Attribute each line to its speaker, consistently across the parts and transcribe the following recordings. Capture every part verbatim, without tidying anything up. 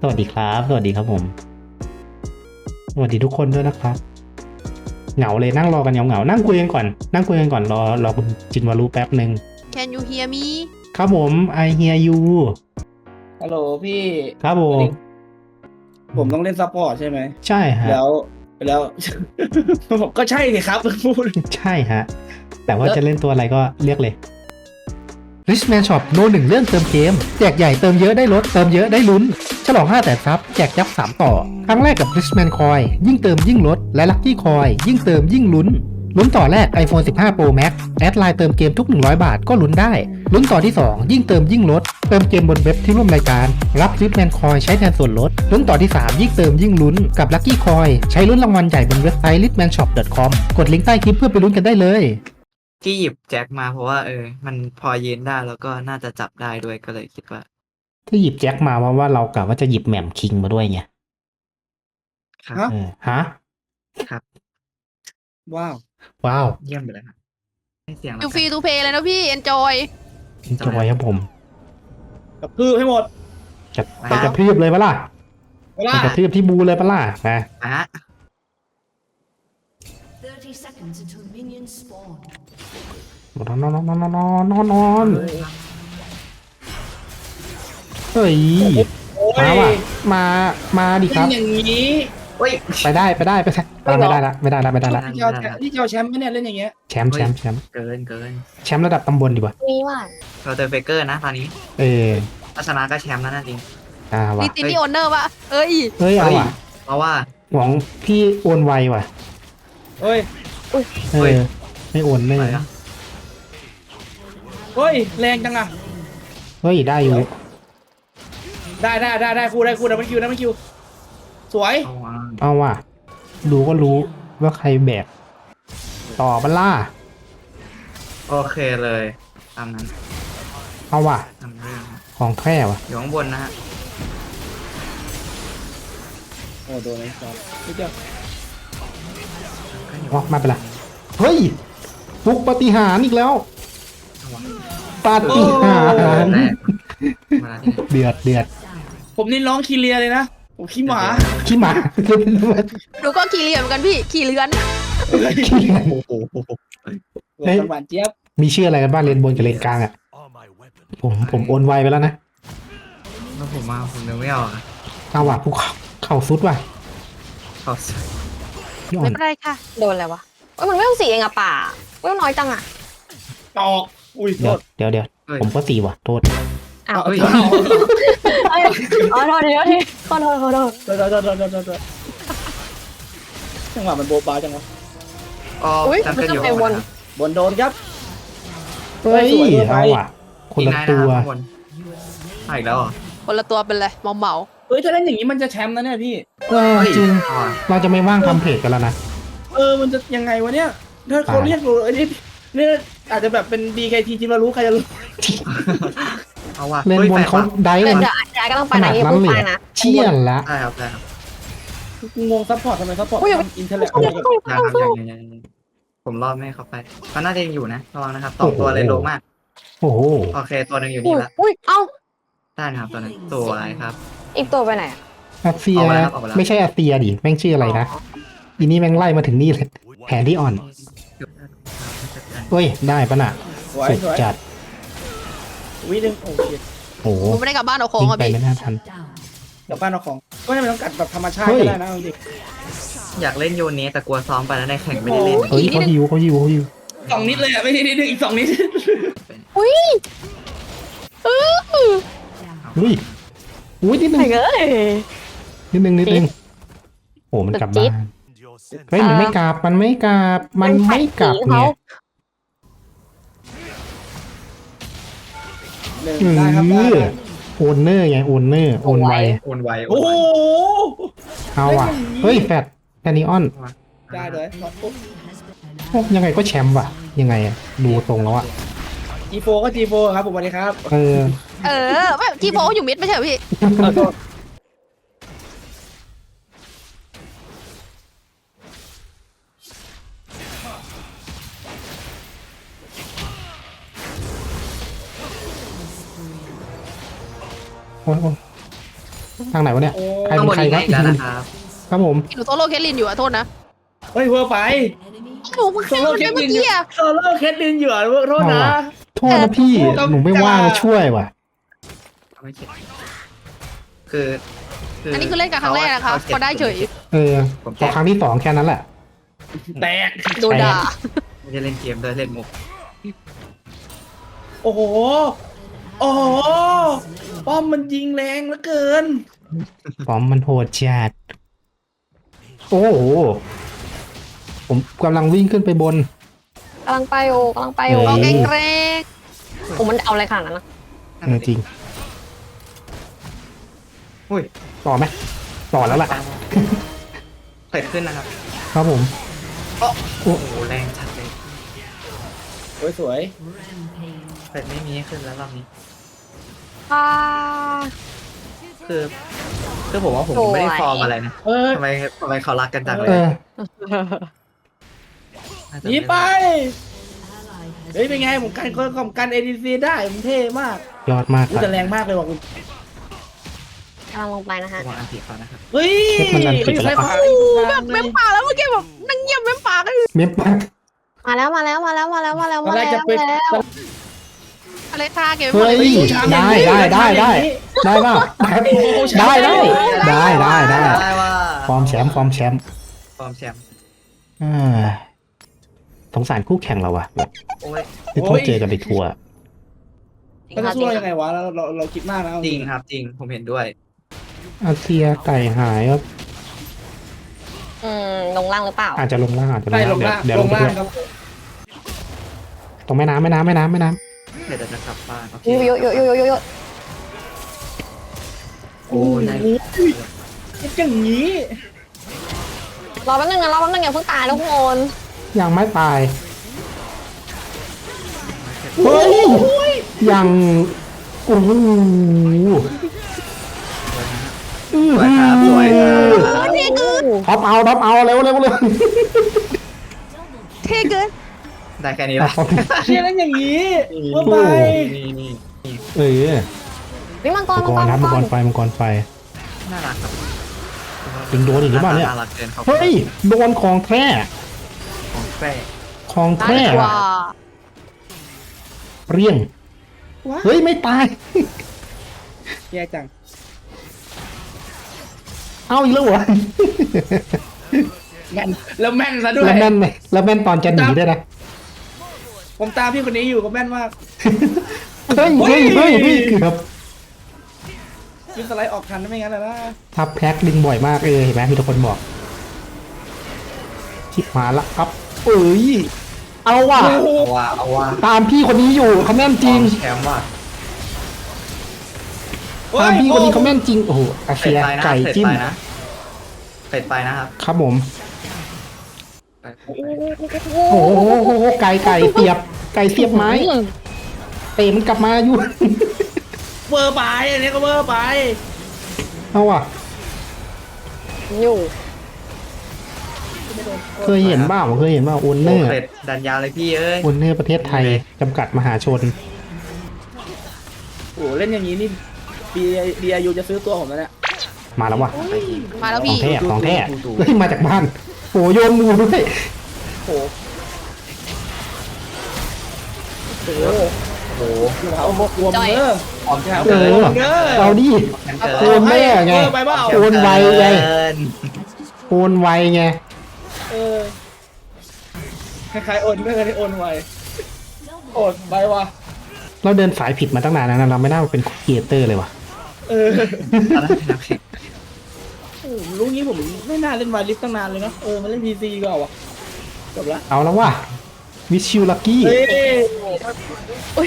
Speaker 1: สวัสดีครับสวัสดีครับผมสวัสดีทุกคนด้วยนะครับเหงาเลยนั่งรอกันเหงาๆนั่งคุยกันก่อนนั่งคุยกันก่อนรอรอคุณจินวารุแป๊บหนึ่ง
Speaker 2: Can you hear me
Speaker 1: ครับผม I hear you
Speaker 3: ฮัลโหลพี่
Speaker 1: ครับผม
Speaker 3: ผมต้องเล่นซัพพอร์ตใช่ไหม
Speaker 1: ใช่ฮะ
Speaker 3: แล้วแล้ว ผมก็ใช่สิครับพูด
Speaker 1: ใช่ฮะแต่ว่าจะเล่นตัวอะไรก็เรียกเลย Richman Shop โนหนึ่งเรื่องเติมเกมแจกใหญ่เติมเยอะได้ลดเติมเยอะได้ลุ้นฉลองห้าแสนซับแจกยับสามต่อครั้งแรกกับ Richman Coin ยิ่งเติมยิ่งลดและ Lucky Coin ยิ่งเติมยิ่งลุ้นลุ้นต่อแรก ไอโฟน สิบห้า โปร แม็กซ์ แอดไลน์เติมเกมทุกหนึ่งร้อยบาทก็ลุ้นได้ลุ้นต่อที่สองยิ่งเติมยิ่งลดเติมเกมบนเว็บที่ร่วมรายการรับ Richman Coin ใช้แทนส่วนลดลุ้นต่อที่สามยิ่งเติมยิ่งลุ้นกับ Lucky Coin ใช้ลุ้นรางวัลใหญ่บนเว็บไซต์ richman shop dot com กดลิงก์ใต้คลิปเพื่อไปลุ้นกันได้เลย
Speaker 4: ที่หยิบแจ็คมาเพราะว่าเออ มันพอยืนได้แล้วก็น่าจะจับได้ด้วยก็เลยคิดว่า
Speaker 1: ที่หยิบแจ็คมาว่าว่าเรากะว่าจะหยิบแหม่มคิงมาด้วยไง
Speaker 4: ครับ
Speaker 3: ฮะ
Speaker 1: เออฮะ
Speaker 4: ครับ
Speaker 3: ว้าว
Speaker 1: ว้าว
Speaker 4: เยี่ยมไปเลยครับให้เสียงแล้ว
Speaker 2: You
Speaker 4: กัน
Speaker 2: free to play เลยนะพี่ enjoy
Speaker 1: จอยครับผม
Speaker 3: กระพือให้หมด
Speaker 1: จะไปกระทืบเลยปะล่ะ
Speaker 3: เวลา
Speaker 1: ไปกระทืบที่บูเลยปะล่ะนะ
Speaker 4: อ่ะ
Speaker 5: thirty seconds until minions spawn.
Speaker 1: นอนนอนนอนนอนนอนนอนนอนเฮ้ย
Speaker 3: โอ้ย
Speaker 1: มาว่ะมามาดิค
Speaker 3: เล่
Speaker 1: รับ
Speaker 3: นอย่างนี้
Speaker 4: เฮ้ย
Speaker 1: ไปได้ไปได้ไปได้อ่ะไม่ได้ละไม่ได้ละไม่ได้ละ
Speaker 3: ที่เจ้าแชมป์ที่เจ้าแชมป์ไหมเนี่ยเล่นอย่างเงี้ย
Speaker 1: แชมป์แชมป์แชมป์
Speaker 4: เกินเกิน
Speaker 1: แชมป์ระดับตำบลดีกว่า
Speaker 5: มีว่า
Speaker 4: เราเจอเฟเกอร์นะตอนนี้
Speaker 1: เออ
Speaker 4: ถ้าชนะก็แชมป์แล้วนะจริง
Speaker 1: อ่าว่ะ
Speaker 2: นี่ตินี่โอนเนอร์ปะเอ้ย
Speaker 1: เฮ้ยเอาว่ะ
Speaker 4: เพราะว่า
Speaker 1: หวังพี่โอนไวว่ะ
Speaker 3: เฮ้ย
Speaker 1: เอ
Speaker 4: เฮ้ย
Speaker 1: อไม่โอนไม่
Speaker 4: อะไรอะ
Speaker 3: เฮ้ยแรงจังอะ
Speaker 1: เฮ้ยได้อยู่
Speaker 3: ได้ได้ได้ได้คู่ได้คู่ดับเบิลคิวดับเบิลคิวสวย
Speaker 4: เอาว่า
Speaker 1: เอาว่ะดูก็รู้ว่าใครแบกต่อบัลล่า
Speaker 4: โอเคเลยตามนั้น
Speaker 1: เอาว่ะ
Speaker 4: ทำเรื่อง
Speaker 1: ของแท้ว่ะ
Speaker 4: อยู่ข้างบนนะฮะ
Speaker 3: โอ้โดนไอ้สัสพี่เจ้า
Speaker 4: ก็อยู่
Speaker 1: อ๋อไม่เป็นไรเฮ้ยฟุกปาฏิหาริย์อีกแล้ว
Speaker 4: เอาวะ
Speaker 1: ปาฏิหาริย์
Speaker 4: แรกมาแล้วที่ไหน
Speaker 1: เดือดเดือด
Speaker 3: ผมนี่ร้องคีเรียเลยนะผมขี้หมา
Speaker 1: ขี้หมา
Speaker 2: ดูก็ขี่เรือเหมือนกันพี่ ขี่เรือน
Speaker 1: ขี้หมา
Speaker 4: โอ้โห
Speaker 3: เฮ้ยหวานเจี๊ยบ
Speaker 1: มีชื่ออะไรกันบ้างเลนบนกับเลนกลางอ่ะผมผมโอนไวไปแล้วนะ
Speaker 4: แล้วผมมาผมนึกไม่ออกอะ
Speaker 1: เอาว่ะภูเขาเข่าซุดว่ะ
Speaker 4: ขอบ
Speaker 1: พี่อ่อ
Speaker 2: ไม่
Speaker 1: น
Speaker 2: เป็นไรค่ะ
Speaker 5: โดนอะไรวะเอ้ยมันไม่ต้องสีเองอะป่าไม่ต้องน้อยจังอะ
Speaker 3: ตอกอุ้ยโท
Speaker 1: เดี๋ยว
Speaker 3: ษ
Speaker 1: เดี๋ยวเดี๋ยวผมก็สี่ว่ะโทษ
Speaker 5: อ้าว
Speaker 3: เฮ้ย
Speaker 5: เอ้ยอ๋อโทษทีโทษทีขอโทษขอโทษ
Speaker 3: โทษโทษโทษโทษโทษโทษโทษจังหวะมันโบบาจังวะ
Speaker 4: อ๋อ
Speaker 5: อุ้ย
Speaker 4: จำ
Speaker 5: มัน
Speaker 4: เป็น
Speaker 5: จะ
Speaker 4: อยู่
Speaker 5: ไปวน
Speaker 3: บนโดนครับ
Speaker 1: เฮ้ย
Speaker 3: สวยด้วยไป
Speaker 1: เอาว่ะคนละตัว
Speaker 4: อีกนายนะครับข้างบนมาอีกแล้วเหรอ
Speaker 2: คนละตัวเป็นเลยเมาเมา
Speaker 3: เฮ้ยถ้าเล่นอย่างนี้มันจะแชมป์นะเนี่ยพี่
Speaker 1: เออจริง
Speaker 4: อ๋อ
Speaker 1: เราจะไม่ว่างทำเพจกันแล้วนะ
Speaker 3: เออมันจะยังไงวะเนี่ยถ้าเขาเรียกเราไอ้นี่เนี่ยอาจจะแบบเป็น บี เค ที จิมารู้ใครจะรู้
Speaker 4: เอาว่ะ
Speaker 1: เลน
Speaker 4: ฮ้ย
Speaker 1: บน
Speaker 4: แปลก
Speaker 1: เขา
Speaker 4: ว่ะ
Speaker 1: ได้
Speaker 5: เดี๋ยว
Speaker 1: กัน
Speaker 5: เดี๋ยวเดี๋ยวก็ต้องไป
Speaker 1: ข
Speaker 5: ไหน
Speaker 1: นาด
Speaker 5: อย่า
Speaker 1: นั้น
Speaker 5: เพิ่ง
Speaker 1: เลย
Speaker 5: ไป
Speaker 1: เหรอ
Speaker 5: นะ
Speaker 1: เชี่ยนละ
Speaker 4: ได้ครับได้ครับ
Speaker 3: งงซัพพอร์ตทำไมซัพพอร์ต
Speaker 5: อุ้ยอย่าไป
Speaker 3: อินเทอร์เน็ต
Speaker 5: สู้อย่าไปสู้
Speaker 4: ยังครับยังยังยังยังผมรอบไม่ให้เขาไปเขาน่าจะยังอยู่นะระวังนะครับสองตัวเลยโลมาก
Speaker 1: โอ้โห
Speaker 4: โอเคตัวหนึ่งอยู่
Speaker 5: อุ้
Speaker 4: นี่
Speaker 5: ย
Speaker 4: ละ
Speaker 5: อุ้ยเอ้า
Speaker 4: ได้นะครับตัวหนึงตัวอะไรครับ
Speaker 5: อีกตัวไปไหนอะ
Speaker 1: อาเซีย
Speaker 4: เอาไปแล้วเอาไปแล้ว
Speaker 1: ไม่ใช่อาเซียดิแม่งชื่ออะไรนะอีนี่แม่งไล่มาถึงนี่เลยแผนที่อ่อนเฮ้ยได้ปะน่ะ
Speaker 3: สวย
Speaker 1: สุด
Speaker 3: สวย
Speaker 1: จัด
Speaker 3: วินึงโอ้ย
Speaker 1: โอ้โห
Speaker 2: ผมไม่ได้กลับบ้านเอาของ
Speaker 1: ยิง
Speaker 2: อ่ะ
Speaker 1: ไป
Speaker 2: พี่
Speaker 1: ไม่น่าทัน
Speaker 3: เดี๋ยวบ้านเอาของ ก็ไม่ต้องกัดแบบธรรมชาติ
Speaker 1: เฮ้ย
Speaker 3: ก็ได้นะจริง
Speaker 4: อยากเล่นโยนเนสแต่กลัวซ้อมไปแล้วในแข่งไม่ได้เล่น
Speaker 1: เฮ้ยเขาฮิวเขาฮิวเขาฮิว
Speaker 3: สองนิดเลยอ่ะไม่ใช่นิดนึงอีกสองนิด
Speaker 5: อุ้ยเออ
Speaker 1: เฮ้ยอุ้ยนิดนึง
Speaker 5: ไหนเอ้ย
Speaker 1: นิดนึงนิดนึงโอ้มันกลับบ้านเฮ้ยมันไม่กลับมันไม่กลับมันไม่กลับเนี่ย
Speaker 3: หนึ่ง
Speaker 1: อื
Speaker 3: ได้ครับได้
Speaker 1: อ
Speaker 3: ได้
Speaker 1: โอนเนอร์ไงโอนเนอร์โอนไว
Speaker 4: โอนไวโอ
Speaker 3: โอ้
Speaker 4: น
Speaker 3: โห
Speaker 4: ไว
Speaker 1: เอาว่ะเฮ้ยแฟดแฟนิออน
Speaker 3: ได้เลยปุ๊บ
Speaker 1: โอ้ยังไงก็แชมป์ว่ะ ยังไงอะดูตรงแล้วอะ
Speaker 3: จีโฟก็จีโฟครับผมสวัสดีครับ
Speaker 1: เออ
Speaker 2: เออไม่ที่โพอยู่มิดไม่ใช่เหรอพี่
Speaker 3: ขอโทษ
Speaker 1: โอ้ยโอ้ยทางไหนวะเนี่ย
Speaker 3: โอ้
Speaker 1: ใคร
Speaker 4: ข้าง
Speaker 1: เป็น
Speaker 4: บน
Speaker 1: ใคร
Speaker 4: นี้
Speaker 1: ครับ
Speaker 4: ไงกันนะครับ
Speaker 1: ครับผม
Speaker 2: หนูโซโล่เคทลินอยู่อะโทษนะ
Speaker 3: เฮ้ยเวอร์ไป
Speaker 2: หนูเพิ่ง
Speaker 3: โซ
Speaker 2: แค่
Speaker 3: โล่
Speaker 2: มัน
Speaker 3: เค
Speaker 2: ไป
Speaker 3: ท
Speaker 2: เมื่
Speaker 3: ลิ
Speaker 2: อน กี้อะ
Speaker 3: โซโล่เคทลินอยู่อ่ะโทษนะ
Speaker 1: โทษนะพี่หนูไม่ว่างมาช่วยว่ะ
Speaker 4: ไม่เข็ดคือคื
Speaker 2: อันนี้คือเล่นกับครั้งแรกนะคะ
Speaker 4: ขา
Speaker 2: พอได้เฉย
Speaker 1: เออพอครั้งที่สองแค่นั้นแหละ
Speaker 3: แตก
Speaker 2: โดนด่า
Speaker 4: ไม่ได้เล่นเกมด้วยเล่นมุก
Speaker 3: โอ้โหโอ้โหป้อมมันยิงแรงเหลือเกิน
Speaker 1: ปอมมันโหดจัดโอ้โหผมกำลังวิ่งขึ้นไปบน
Speaker 5: กำลังไปโอกำลังไปโอ
Speaker 1: เฮ้
Speaker 2: เอา
Speaker 1: ย
Speaker 2: เกรงเกรง
Speaker 5: โอ้มันเอาอะไรขนาดนั้นนะ
Speaker 1: เออจริง
Speaker 4: อุ้ย
Speaker 1: ต่อไหมต่อแล้วล่ะ
Speaker 4: เปิดขึ้นนะครับ
Speaker 1: ครับผม
Speaker 4: โอ้โหแรงชัดเลย
Speaker 3: สวยสวย
Speaker 4: เปิดไม่มีให้ขึ้นแล้วรอบนี้
Speaker 5: อ่า
Speaker 4: คือคือผมว่าผมยังไม่ได้
Speaker 5: สวย
Speaker 4: ฟอร์มอะไรนะ
Speaker 3: เออ
Speaker 4: ทำไมทำไมเขารักกันจังเลย
Speaker 1: เออ
Speaker 4: น่าจะ
Speaker 3: หนีไป เฮ้ยเป็นไงผมกันคนของกันเอดีซีได้ผมเท่มาก
Speaker 1: ยอดมากค
Speaker 3: รู้
Speaker 1: รับ
Speaker 3: แต่แรงมากเลยว่ะคุณ
Speaker 5: กำลังลงไปนะฮะ
Speaker 4: ระวังอันติเขานะครับ
Speaker 3: เฮ้ย
Speaker 1: เช็คมันอันติดไปแล้ว
Speaker 3: ไม่
Speaker 2: โอ้โห
Speaker 3: ใช่
Speaker 2: แบบเม้มปากแล้วเมื่อกี้แบบนั่งเงียบเม้มปากเลย
Speaker 1: เม็ดปาก
Speaker 5: มาแล้วมาแล้วมาแล้วมาแล้วมาแล้ว
Speaker 3: ตอ
Speaker 5: มาน
Speaker 3: แร
Speaker 5: แล้
Speaker 3: ก
Speaker 5: ว
Speaker 3: จะเป็น
Speaker 5: มาแล้ว
Speaker 2: อะไรท่าเกม
Speaker 1: เฮ้ย ได้ได้ได้ได้ได้ป่ะได้ได้ได้ได้ได้
Speaker 4: ได้ว่า
Speaker 1: ฟอร์มแชมป์ฟอร์มแชมป์
Speaker 4: ฟอร์มแชมป์
Speaker 1: อ่าสงสารคู่แข่งเราอะแบบ
Speaker 4: โอ้ย
Speaker 1: ที่ต้องเจอกันในทัวร์
Speaker 3: มันจะสู้เรายังไงวะเราเราเราคิดมากนะเอา
Speaker 4: จริงครับจริงผมเห็นด้วย
Speaker 1: อาเซียไก่หายครับ
Speaker 5: อืมลงล่างหรือเปล่า
Speaker 1: อาจจะลงล่างอาจจะล
Speaker 3: ใช่
Speaker 1: ง
Speaker 3: ล
Speaker 1: ล่าง
Speaker 3: ง
Speaker 1: เดี๋ยว
Speaker 3: ล่าง
Speaker 1: เดี๋ยว
Speaker 3: ล
Speaker 1: ลง
Speaker 3: ง
Speaker 1: ไป
Speaker 3: ล่าง
Speaker 1: ด้วย
Speaker 3: ครับ
Speaker 1: ตรงแม่น้ำแม่น้ำแม่น้ำแม่น้
Speaker 4: เดี๋ยวจะกลับบ้านโอเค
Speaker 5: โยโยโยโยโยโย
Speaker 4: โอ้ยได้
Speaker 3: คิดอย่างนี้
Speaker 5: รอแป๊บนึงนะรอแป๊บนึงอย่าเพิ่งตายทุกคน
Speaker 1: ำยังไม่ตายเฮ้ยยังโอ้โห
Speaker 4: สวยครับสวยครับ
Speaker 2: เท่เกิน
Speaker 1: ท็อปเอาท็อปเอาเร็วเร็วเร็ว
Speaker 2: เท่เกิน
Speaker 4: ได้แค่นี้ละ
Speaker 3: เชียร์นั้นอย่างนี้เมื่อไป
Speaker 4: นี่นี่นี่
Speaker 1: เออ
Speaker 5: วิมังกร
Speaker 1: มังกรครับมังกรไฟมังกรไฟ
Speaker 4: น่ารักครับ
Speaker 1: ยิงโดนอีกหรือเปล่าเนี่ย
Speaker 4: น่ารักเกินครับ
Speaker 1: เฮ้ยโดนของแท้
Speaker 4: ของแฝง
Speaker 1: ของ
Speaker 2: ตา
Speaker 1: แท้
Speaker 2: ดีกว่า
Speaker 1: เรียง
Speaker 3: ว้า
Speaker 1: เฮ้ยไม่ตาย
Speaker 3: แย่จัง
Speaker 1: เอาอีกแล้วเหรอ
Speaker 3: แม่นแล้วแม่นซะด้วย
Speaker 1: แล้วแม่นไหมแล้วแม่นตอนจะหนีด้วยนะ
Speaker 3: ผมตามพี่คนนี้อยู่ก็แม่นมาก
Speaker 1: เฮ้ยเฮ้ยเฮ้ยเฮ้ยเกือบ
Speaker 3: ยิงสไลด์ออกทันไม่งั้นแล้วนะ
Speaker 1: ทับแพ็คดึงบ่อยมากเออเห็นไหมมีทุกคนบอกชิบหายละครับเอ้ยเอาว่ะ
Speaker 3: โอ้โห
Speaker 4: เอาว่าเอาว่า
Speaker 1: ตามพี่คนนี้อยู่เขาแม่นจริง
Speaker 4: แชมป์ว่ะ
Speaker 1: ตามพี่คนนี้เขาแม่นจริงโอ้โหอา
Speaker 4: เสร็
Speaker 1: เซี
Speaker 4: จ
Speaker 1: ย
Speaker 4: ไปนะ
Speaker 1: ไก่
Speaker 4: เสร็จ
Speaker 1: จิ้ม
Speaker 4: ไปนะเสร็จไปนะครับ
Speaker 1: ครับผม
Speaker 4: ไป
Speaker 1: โอ้โหไก่ไก่เสียบไก่เสียบไม้เตะมันกลับมาอยู่
Speaker 3: เวอร์ไปอันนี้ก็เวอร์ไป
Speaker 1: เอาว่ะ
Speaker 5: อยู่
Speaker 1: เคยเห็นบ้างเคยเห็นบ้างโอนเนอร์
Speaker 4: เสร็จดันยาวเลยพี่เอ้ย
Speaker 1: โอนเนอร์ประเทศไทยจำกัดมหาชน
Speaker 3: โอ้โหเล่นอย่างนี้นี่บีบีอายูจะซื้อตัวผมแล้วเนี่ย
Speaker 1: มาแล้วว่ะ
Speaker 2: มาแล้ว
Speaker 1: ของ
Speaker 2: พี่
Speaker 1: แท้ของแท้เฮ้ยมาจากบ้านโอ้โยนมูด้วย
Speaker 3: โอ้โหโอ้โห
Speaker 4: โอ้โห
Speaker 3: เอาบกรวมเด้อ
Speaker 4: พร้อมแชมป์
Speaker 1: เอ
Speaker 4: เกิน
Speaker 1: อเอาดิ
Speaker 4: แชมป์เกิน
Speaker 1: โอนแม่ไง
Speaker 3: เวอร์ไปเปล่า
Speaker 1: โอนไวไง
Speaker 4: เกิน
Speaker 1: โอนไวไง
Speaker 3: เออคล้ายๆโอนเนอร์ที่โอนไวโอนไปว่ะ
Speaker 1: เราเดินสายผิดมาตั้งนานแล้วนะเราไม่น่ามาเป็นครีเอเตอร์เลยว่ะ
Speaker 3: เออ
Speaker 4: ตอนนั้นเป็นนักแข่ง
Speaker 3: โอ้โหรู้งี้ผมไม่น่าเล่นวายลิฟตั้งนานเลยเนาะเออมาเล่นพีซีก็เอาวะจบละ
Speaker 1: เอาแล้วว่ะวิชิวลักกี้
Speaker 3: เฮ้ย
Speaker 5: อุ้ย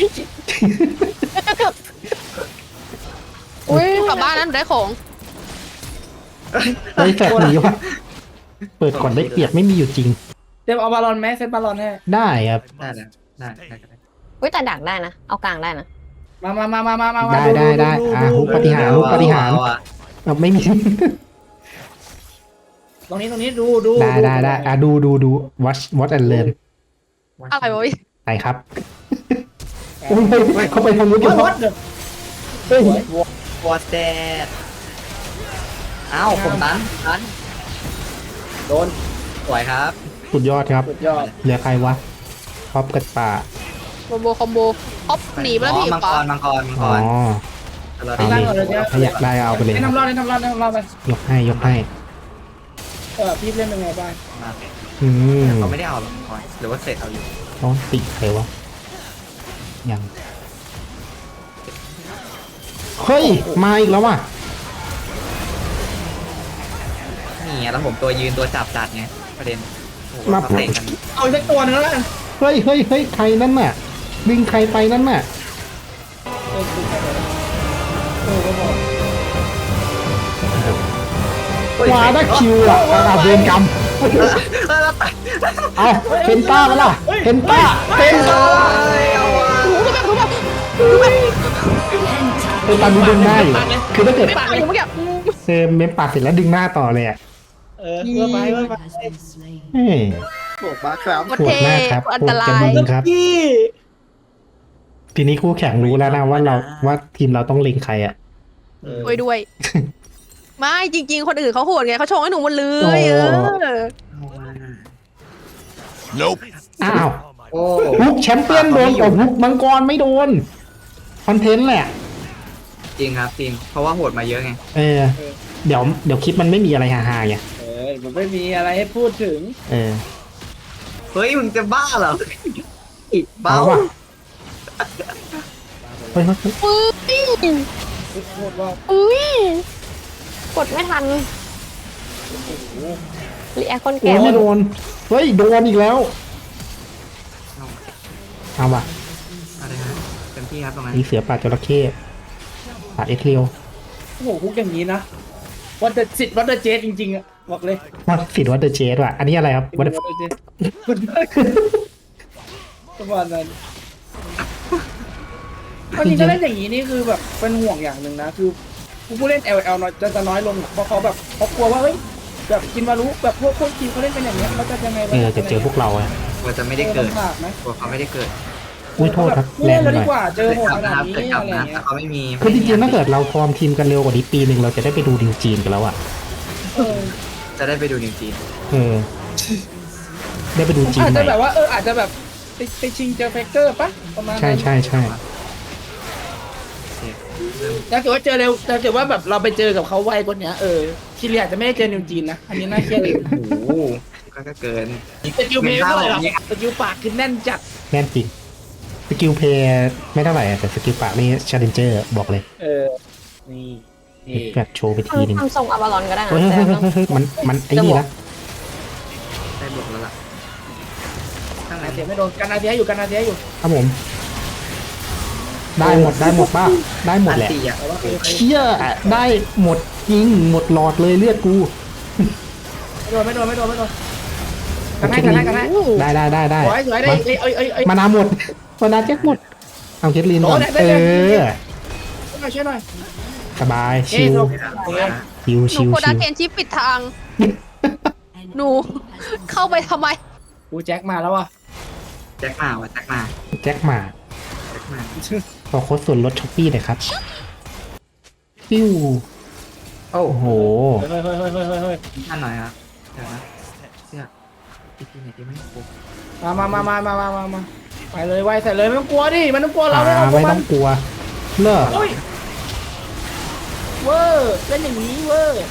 Speaker 5: อุ้ย
Speaker 2: กลับบ้านนั้นได้ของ
Speaker 1: ไอ้แฟกหนีว่ะเปิดก่อนได้เปรียบไม่มีอยู่จริง
Speaker 3: เดี๋ยวเอาบอลลอนแมสเซตบอลลอนให้
Speaker 1: ได้ครับ
Speaker 4: ได้แล้วได้ได้ได้
Speaker 5: อุ้ยแต่ดักได้นะ เอากลางได้นะ
Speaker 3: มามามามามามา
Speaker 1: ได้ได้ได้อ่าฮุกปฏิหารฮุกปฏิหาร
Speaker 4: เออะ
Speaker 1: เอาไม่มี
Speaker 3: ตรงนี้ตรงนี้ดูดู
Speaker 1: ได้ได้ได้อ่ะดูดูดู watch watch and learn
Speaker 2: อะไรวะพี่
Speaker 1: ไปครับโอ้ยเขาไปทางนู้น
Speaker 3: วั
Speaker 1: กัน
Speaker 3: ดวัดเด้อ
Speaker 1: เฮ้ย
Speaker 4: วอตแดดเอ้าวผมตันตัน
Speaker 3: โดน
Speaker 4: สวยครับ
Speaker 1: สุดยอดครับ
Speaker 3: สุดยอด
Speaker 1: เหลือใครวะพอบกับป่า
Speaker 2: คอมโบคอมโบฮอปหนีไปแล้ว
Speaker 4: อ๋อ
Speaker 2: พี่
Speaker 4: มังก
Speaker 2: ฟ้าร
Speaker 4: มังกรมังก
Speaker 1: อ๋อ
Speaker 4: รเรา
Speaker 1: เอา
Speaker 4: ได้
Speaker 1: เลยถ้าอยากได้เอาไปเลย
Speaker 3: ให้ทำรอดให้ทำรอดให้ทำรอดไป
Speaker 1: ยกให้ยกให้
Speaker 3: เออพี่เล่นเป็นไงบ้าง
Speaker 4: มา
Speaker 1: อืม
Speaker 4: เขาไม่ได้เอาหรอกมังกรหรือว่าเสร็จเอาอยู่
Speaker 1: ต้องติใครวะยังเฮ้ยมาอีกแล้วว่ะ
Speaker 4: นี่ไงแล้วผมตัวยืนตัวจับจัดไงประเด็นโอ้โห
Speaker 1: มา
Speaker 4: เขาเตะกัน
Speaker 3: เอาอีกสักตัวนึงแล้วกัน
Speaker 1: เฮ้ยเฮ้ยเฮ้ยใครนั่นน่ะดึงใครไปนั่นน่ะ
Speaker 3: เออคือแค่ไหนเออก็บอก
Speaker 1: วาได้คิวอ่ะอาเวรกรรม
Speaker 4: เออแล้วไป
Speaker 1: เอาเพนต้ามาล่ะเพนต้าเพนต้า
Speaker 4: เอาว่ะ
Speaker 1: เพนต้าดูดึงหน้าอยู่คือถ้าเกิด
Speaker 2: ไม่ปากอยู่เมื่อกี้
Speaker 1: เซมเมมปากเสร็จแล้วดึงหน้าต่อเลยอ่ะ
Speaker 3: เออเพื่อไปเพื่อไป
Speaker 1: เฮ้ย
Speaker 4: บอกมาครับ
Speaker 2: โคตร
Speaker 1: โหด
Speaker 2: เท่
Speaker 1: มากครับ
Speaker 2: อัน
Speaker 1: โห
Speaker 2: ต
Speaker 1: ด
Speaker 2: รา
Speaker 1: จะ
Speaker 2: ย
Speaker 1: มึงครับ
Speaker 3: พี่
Speaker 1: ทีนี้คู่แข่งรู้แล้วนะว่าเราว่าทีมเราต้องเล็งใครอ่ะ
Speaker 2: ด้วยด้วย ไม่จริง ๆ คนอื่นเขาโหดไงเขาชงให้หนูหมดเลย
Speaker 1: โอ้
Speaker 2: เออ
Speaker 1: อ้าว
Speaker 4: โอ้
Speaker 1: ฮุกแชมเปี้ยนโดนแต่ฮุกมังกรไม่โดนคอนเทนต์แหละ
Speaker 4: จริงครับจริงเพราะว่าโหดมาเยอะไง
Speaker 1: เออ เดี๋ยวเดี๋ยวคลิปมันไม่มีอะไรฮาๆไง
Speaker 3: เออมันไม่มีอะไรให้พูดถึง
Speaker 1: เออ
Speaker 4: เฮ้ยมึงจะบ้าเหรออิดเบ้า
Speaker 1: เอาว่ะเฮ้ยเฮ้ยเฮ้ย
Speaker 2: อุ้ย
Speaker 3: พูดว่า
Speaker 5: อุ้ยกดไม่ทันรีแอคคน
Speaker 1: โอ้
Speaker 5: แก่
Speaker 1: ยไม่โดนเฮ้ยโดนอีกแล้วเอาว่ะ
Speaker 4: อะไรฮะเต็มที่ครับตรงนั้น
Speaker 1: มีเสือป่าจระเข้ป่าเอ็กเรียว
Speaker 3: โอ้โหคุกอย่างนี้นะวัดเดสิทธิ์วัดเดเจสจริงๆอะบอกเลย
Speaker 1: วัดสิทธิ์วัดเดอะเจสว่ะอันนี้อะไรครับวัด
Speaker 3: วัดเดเจสประมาณนั้นวันนี้จะเล่นอย่างนี้นี่คือแบบเป็นห่วงอย่างหนึ่งนะคือผู้เล่น แอล แอล น้อยจะจะน้อยลงอะเพราะเขาแบบเขากลัวว่าเฮ้ยแบบกินมารู้แบบพวกพวกทีมเขาเล่นเป็นอย่างเงี้ยเขาจะยังไงว
Speaker 1: เออจะเจอพวกเราอะ
Speaker 4: กลัวจะไม่ได้เกิด
Speaker 3: ลำบากไหม
Speaker 4: กลัวเขาไม่ได้เกิด
Speaker 1: อุ้ยโทษครับแร
Speaker 3: เล่
Speaker 1: ง
Speaker 3: น
Speaker 1: ไป
Speaker 3: เลย
Speaker 1: หน่อย
Speaker 3: ดีกว่าเจอโหดขนาด
Speaker 4: ครับ
Speaker 3: นี้
Speaker 4: เกิดกลับ
Speaker 3: อะไร
Speaker 4: นะ
Speaker 3: เงี้
Speaker 4: แต่
Speaker 3: ย
Speaker 4: เขาไม่มี
Speaker 1: คือจริงๆถ้าเกิดเราฟอร์มทีมกันเร็วกว่านี้ปีหนึ่งเราจะได้ไปดูดิวจีนกันแล้วอะ
Speaker 3: เออ
Speaker 4: จะได้ไปดูนิวจีน
Speaker 1: เออ ได้ไปดูจีน
Speaker 3: อาจ
Speaker 1: ให
Speaker 3: จะ
Speaker 1: ม่
Speaker 3: แบบว่าเอออาจจะแบบไปไปชิงเจอเฟกเกอร์ปะประมาณ
Speaker 1: ใช่
Speaker 3: นั้น
Speaker 1: ใช่ใช่
Speaker 3: ถ้าเกิดว่าเจอเร็วถ้าเกิดว่าแบบเราไปเจอกับเขาไวกว่านี้เออชิลีอาจจะไม่ได้เจอนิวจีนนะอันนี้น่าเครียดเลย
Speaker 4: โอ้โหก็ก็เกิน
Speaker 3: สกิลเพลย์ไม่เท่าไหร่หรอกสกิลปากคือแน่นจัด
Speaker 1: แน่นจริงสกิลเพย์ไม่เท่าไหร่อะแต่สกิลปากนี่ชาเลนเจอร์บอกเลย
Speaker 3: เออนี่นี่
Speaker 1: แบบโชว์ไปทีนึง
Speaker 5: ทำทรงอาบาลอนก็ได้นะ
Speaker 1: เฮ้ย
Speaker 5: แต่
Speaker 1: เฮ้ยเฮ้ยเฮ้ยมันมันไอ้นี่นะ
Speaker 4: ได้บวกแล้วล่ะข้างใน
Speaker 3: นาเทียไม่โดนกันนาเทียอยู่กันนาเทียอยู่
Speaker 1: ครับผม ได้หมดได้หมดป่ะได้หมดแหละ
Speaker 4: อันตีอ่ะ
Speaker 3: แต่ว่าเออ
Speaker 1: เชี่ยได้หมดจริงหมดหลอดเลยเลือดกู
Speaker 3: ไม่โดนไม่โดนไม่โดนไม่โดนกันให้กันให้กันให้
Speaker 1: ได้ได้ได้ได้
Speaker 3: สวยสวยได้เอ้ยเอ้ยเอ้ยเอ้ย
Speaker 1: มานาหมดมานาแจ็คหมดเอาเคทลินก่อน
Speaker 3: โอ้ได้ได้
Speaker 1: เอ
Speaker 3: ได้
Speaker 1: อ
Speaker 3: ช่วยหน่อยช่วยหน่อย
Speaker 1: สบาย
Speaker 3: เอ้
Speaker 1: ชิ
Speaker 3: ยว โอเค
Speaker 1: ชิว
Speaker 2: หนู
Speaker 1: ชิว
Speaker 2: โคดา
Speaker 1: ชิว
Speaker 2: เคนชิปปิดทาง หนู เข้าไปทำไม
Speaker 3: กูแจ็คมาแล้วว่ะ
Speaker 4: แจ็คมาว่ะแจ็คมา
Speaker 1: แจ็คหมา
Speaker 4: แจ็คมา
Speaker 1: ขอโค้ดส่วนลดช้อปปี้หน่อยครับปิ้ว
Speaker 4: โอ้
Speaker 1: โอ้โห
Speaker 3: เฮ้ยเฮ้ยเฮ้ยเฮ้ยเฮ้ยเฮ้ย
Speaker 4: ท่านหน่อยครับเดี๋ยวนะเสื้ออีกทีไหนดีไหมปุ๊บ
Speaker 3: มามามามามามามามาไปเลยไวใส่เลยไม่ต้องกลัวดิมันต้องกลัวเรา
Speaker 1: อ่า
Speaker 3: ไม่เอาพว
Speaker 1: ไม่
Speaker 3: กมั
Speaker 1: ต้
Speaker 3: น
Speaker 1: องกลัวเลิก
Speaker 3: โอ้ยเวอร์เล่นอย่างนี้เวอร์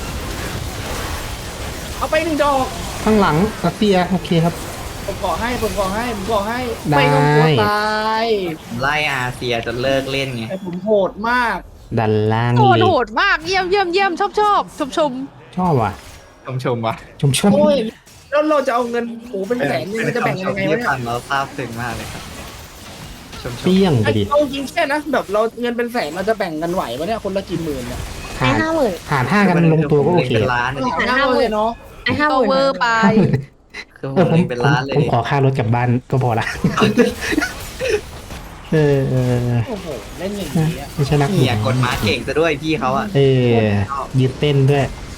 Speaker 3: เอาไปหนึ่งดอก
Speaker 1: ข้างหลังรัสเซียโอเคครับ
Speaker 3: ผมขอให้ผมขอให้ผมขอให้
Speaker 1: ได้
Speaker 3: ไม่ต้องกลัวตาย
Speaker 4: ไล่อาเซียจนเลิกเล่นไง
Speaker 3: แต่ผมโหดมาก
Speaker 1: ดันล่าง
Speaker 2: โหด
Speaker 1: เลย
Speaker 2: โหดมาก เยี่ยมเยี่ยมเยี่ยมชอบชอบชมชม
Speaker 1: ชอบว่ะ
Speaker 4: ชมชมว่ะ
Speaker 1: ชมชม
Speaker 3: โอ้ยแล้วเราจะเอาเงินโอ้เป็นแสนเนี่ยมันจะแบ่งกันยังไง
Speaker 4: ที่
Speaker 3: วะเนี่ย
Speaker 4: ฟังเราซาบซึ้งมากเลยครับชมชม
Speaker 1: เปี้ยงไปดิ
Speaker 3: เอาจริงแค่นะแบบเราเงินเป็นแสนเราจะแบ่งกันไหวปะเนี่ยคนละกี่หมื่นเนี่ย
Speaker 5: ไอ้
Speaker 1: หาร
Speaker 5: ห้าหมื่น
Speaker 1: หารห้ากันลงตัวก็โอเค
Speaker 4: เป็นล้าน
Speaker 3: หาห้าเลยเนาะ
Speaker 5: ไอ้ห้าห
Speaker 2: ก็
Speaker 5: มื่น
Speaker 2: เวอร์ไป
Speaker 4: คือผ
Speaker 1: เออ
Speaker 4: ม
Speaker 1: ผม
Speaker 4: เล่นเป็นล้านเลย
Speaker 1: ผมขอค่ารถกลับบ้านก็พอละ เออเออ
Speaker 3: โอ้โหเล่นอย่างนี้อะ
Speaker 1: ไม่ใช่นัก
Speaker 4: เหียกดม้าเก่งซะด้วยพี่เขาอ่ะ
Speaker 1: เออยืดเต้นด้วย